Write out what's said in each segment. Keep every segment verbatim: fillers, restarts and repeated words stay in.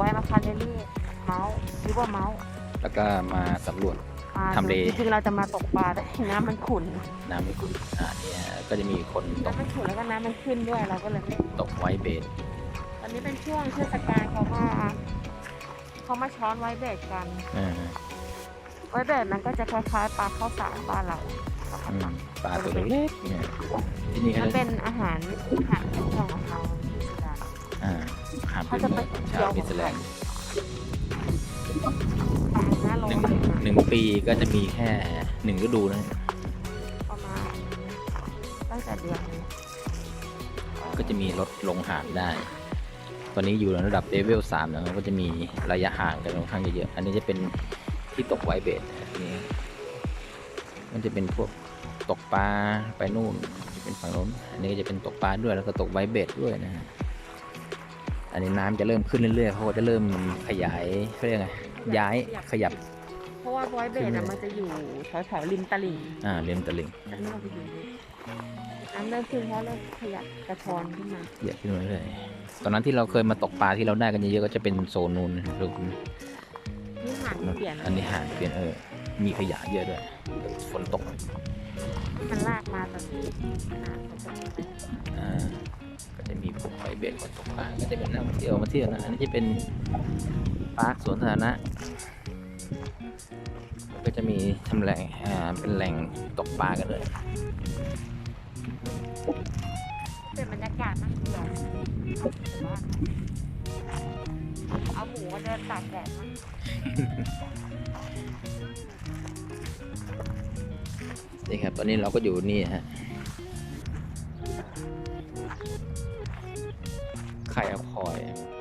ไว้มาคาเรลลี่เมาส์หรือว่าเมาส์แล้วก็มาสำรวจทำเลจริงๆเราจะมาตกปลาแต่น้ำมันขุ่นน้ำไม่ขุ่นอ่าเนี่ยก็จะมีคนตกน้ำมันขุ่นแล้วก็น้ำมันขึ้นด้วยเราก็เลยไม่ตกไวเบสตอนนี้เป็นช่วงเทศกาลเขามาเขามาช้อนไวเบสกันไวเบสมันก็จะคล้ายๆปลาข้าวสารบ้านเราปลาตัวเล็กเนี่ยที่นี่มันเป็นอาหารอาหารของเราที่สุดาอ่าอาหารพื้นเมืองชาวนิวซีแลนด์หนึ่งหนึ่งปีก็จะมีแค่หนึ่งฤดูนะประมาณตั้งแต่เดือนก็จะมีรถลงหาดได้ตอนนี้อยู่ระดับเลเวลสามนะครับก็จะมีระยะห่างกันค่อนข้างเยอะอันนี้จะเป็นที่ตกไวเบสนี่มันจะเป็นพวกตกปลาไปนู่นเป็นฝั่งโน้นอันนี้จะเป็นตกปลาด้วยแล้วก็ตกไวเบสด้วยนะฮะอันนี้น้ำจะเริ่มขึ้นเรื่อยๆเขาจะเริ่มขยายเขาเรียกไงย้ายขยับเพราะว่าไวเบสมันจะอยู่แถวๆริมตลิ่งอ่าริมตลิ่งน้ำเริ่มขึ้นเพราะเริ่มขยับกระชอนขึ้นมาเยอะขึ้นมาเรื่อยตอนนั้นที่เราเคยมาตกปลาที่เราได้กันเยอะๆก็จะเป็นโซนนู้นลูกนี่หางเปลี่ยนอันนี้หางเปลี่ยนเออมีขยะเยอะด้วยฝนตกมันลากมาตอนนี้อ่าก็จะมีพวกไฟเบสคนตกปลาก็จะเป็นนักท่องเที่ยวมาเที่ยวนะอันนี้จะเป็นปาร์คสวนสาธารณะก็จะมีทำแหล่งอ่าเป็นแหล่งตกปลากันเลยเป็นบรรยากาศน่าเที่ยวเอาหมูมาเดินตากแดดมั้งนี่ครับตอนนี้เราก็อยู่นี่ฮะไข่อคอย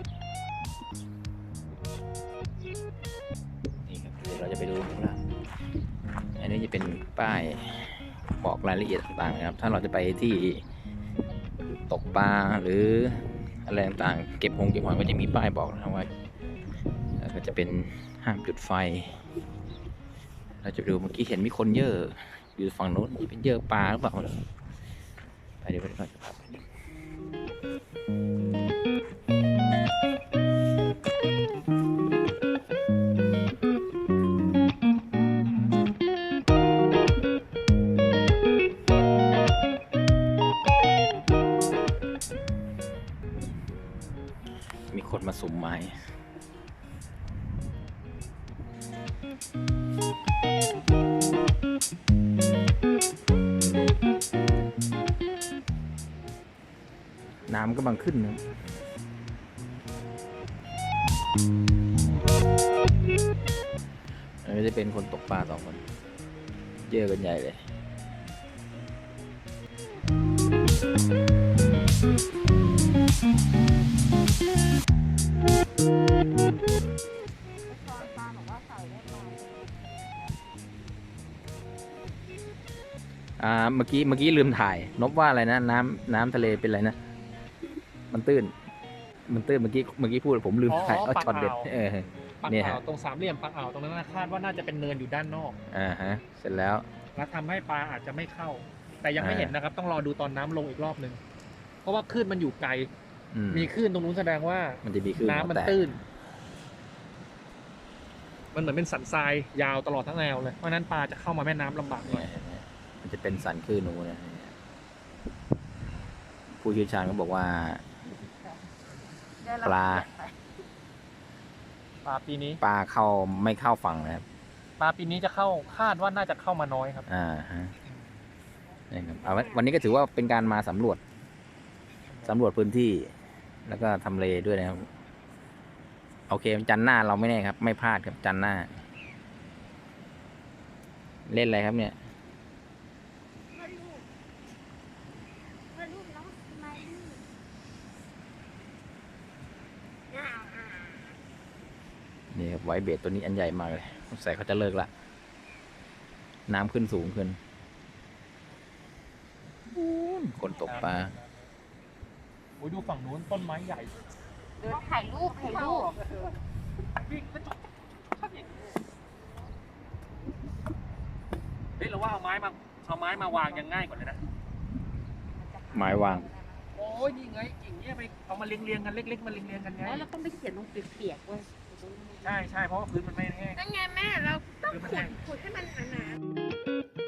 นี่ครับเดี๋ยวเราจะไปดูข้างล่างอันนี้จะเป็นป้ายบอกรายละเอียดต่างๆนะครับถ้าเราจะไปที่ตกปลาหรืออะไรต่างๆเก็บหงเก็บหอยก็จะมีป้ายบอกนะว่าก็จะเป็นห้ามจุดไฟเราจะดูเมื่อกี้เห็นมีคนเยอะอยู่ฝั่งโน้นเป็นเยอะปลาหรือเปล่าไปเดี๋ยวไปก่อนมีคนมาสุ่มไม้น้ำก็บังขึ้นนะอันนี้จะเป็นคนตกปลาสองคนเยอะกันใหญ่เลยอ่าเมื่อกี้เมื่อกี้ลืมถ่ายนบว่าอะไรนะน้ำน้ำทะเลเป็นอะไรนะมันตื้นมันตื้นเมื่อกี้เมื่อกี้พูดผมลืมถ่ายเอาช็อตเด็ดเออเนี่ยฮะตรงสามเหลี่ยมปากอ่าวตรงนั้นคาดว่าน่าจะเป็นเนินอยู่ด้านนอกอ่าฮะเสร็จแล้วแล้วทำให้ปลาอาจจะไม่เข้าแต่ยังไม่เห็นนะครับต้องรอดูตอนน้ำลงอีกรอบนึงเพราะว่าคลื่นมันอยู่ไกลมีคลื่นตรงนู้นแสดงว่ามันจะมีคลื่นน้ำมันตื้นมันเหมือนเป็นสันทรายยาวตลอดทั้งแนวเลยเพราะนั้นปลาจะเข้ามาแม่น้ำลำบากหน่อยมันจะเป็นสันคลื่นนู้นนะผู้เชี่ยวชาญก็บอกว่าปลาปลาปีนี้ปลาเข้าไม่เข้าฝั่งนะครับปลาปีนี้จะเข้าคาดว่าน่าจะเข้ามาน้อยครับอ่าฮะนี่ครับเอาวันนี้ก็ถือว่าเป็นการมาสำรวจสำรวจพื้นที่แล้วก็ทำเลด้วยนะครับโอเคจันหน้าเราไม่แน่ครับไม่พลาดครับจันหน้าเล่นอะไรครับเนี่ยนี่ครับไวเบสตัวนี้อันใหญ่มากเลยใส่เขาจะเลิกละน้ำขึ้นสูงขึ้นคนตกปลาโอ้ยดูฝั่งนู้นต้นไม้ใหญ่เดินถ่ายรูปถ่ายรูปเฮ้ยเราว่าเอาไม้มาเอาไม้มาวางยังง่ายกว่าเลยนะไม้วางโอ้อ้ยนี่ไงกิ่งเนี้ยไปเอามาเรียงๆกันเล็กๆมาเรียงๆกันไงแล้วเราต้องไปเขียนลงเปียกๆเว้ยใช่ใช่เพราะว่าพื้นมันไม่แห้งนั่นไงแม่เราต้องขุดขุดให้มันหนาๆ